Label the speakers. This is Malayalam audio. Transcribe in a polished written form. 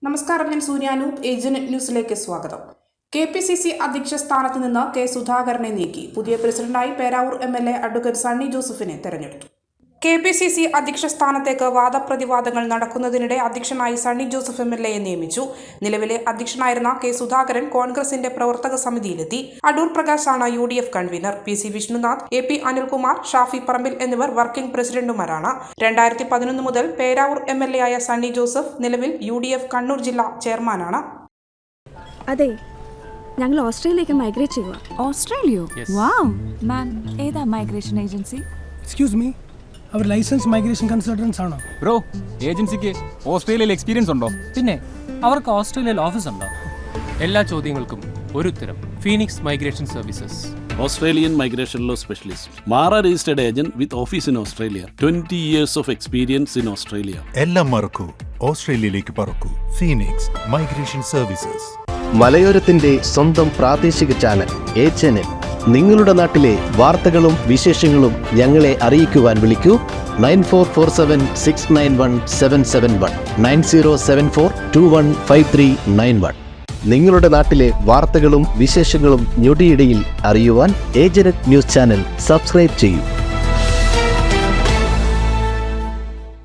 Speaker 1: നമസ്കാരം, ഞാൻ സൂര്യാനൂപ്. ഏജന്റ് ന്യൂസിലേക്ക് സ്വാഗതം. KPCC അധ്യക്ഷ സ്ഥാനത്ത് നിന്ന് കെ സുധാകരനെ നീക്കി. പുതിയ പ്രസിഡന്റായി പേരാവൂർ MLA അഡ്വക്കേറ്റ് സണ്ണി ജോസഫിനെ തെരഞ്ഞെടുത്തു. KPCC അധ്യക്ഷ സ്ഥാനത്തേക്ക് വാദപ്രതിവാദങ്ങൾ നടക്കുന്നതിനിടെ അധ്യക്ഷനായി സണ്ണി ജോസഫ് MLA നിയമിച്ചു. നിലവിലെ അധ്യക്ഷനായിരുന്ന കെ സുധാകരൻ കോൺഗ്രസിന്റെ പ്രവർത്തക സമിതിയിലെത്തി. അടൂർ പ്രകാശാണ് UDF convener. PC Vishnunath, AP Anilkumar, Shafi Parambil എന്നിവർ വർക്കിംഗ് പ്രസിഡന്റുമാരാണ്. 2011 മുതൽ പേരാവൂർ MLA ആയ സണ്ണി ജോസഫ് നിലവിൽ UDF കണ്ണൂർ ജില്ലാ ചെയർമാനാണ്.
Speaker 2: അതെ, ഞങ്ങൾ ഓസ്ട്രേലിയയിലേക്ക് മൈഗ്രേറ്റ് ചെയ്യുക.
Speaker 3: ഓസ്ട്രേലിയോ? വാവ്. മാം, ഏതാ മൈഗ്രേഷൻ ഏജൻസി?
Speaker 4: എക്സ്ക്യൂസ് മീ, അവർ ലൈസൻസ് മൈഗ്രേഷൻ കൺസൾട്ടൻസ് ആണോ?
Speaker 5: ബ്രോ, ഏജൻസിക്ക് ഓസ്ട്രേലിയയിൽ എക്സ്പീരിയൻസ് ഉണ്ടോ?
Speaker 6: പിന്നെ അവർക്ക് ഓസ്ട്രേലിയയിൽ ഓഫീസ് ഉണ്ടോ?
Speaker 7: എല്ലാ ചോദ്യങ്ങൾക്കും ഒരു ഉത്തരം. Phoenix migration services.
Speaker 8: Australian migration law specialist. Mara registered agent with office in Australia. 20 years of experience in Australia.
Speaker 9: എല്ലാം മറക്കൂ, ഓസ്ട്രേലിയയിലേക്ക് പറക്കൂ. Phoenix migration services.
Speaker 10: മലയോരത്തിന്റെ സ്വന്തം പ്രാദേശിക ചാനൽ A-Channel. നിങ്ങളുടെ നാട്ടിലെ വാർത്തകളും വിശേഷങ്ങളും ഞങ്ങളെ അറിയിക്കുവാൻ വിളിക്കൂ 9447691771 9074215391. നിങ്ങളുടെ നാട്ടിലെ വാർത്തകളും വിശേഷങ്ങളും ഞൊടിയിടയിൽ അറിയുവാൻ ഏജന്റ് ന്യൂസ് ചാനൽ സബ്സ്ക്രൈബ് ചെയ്യൂ.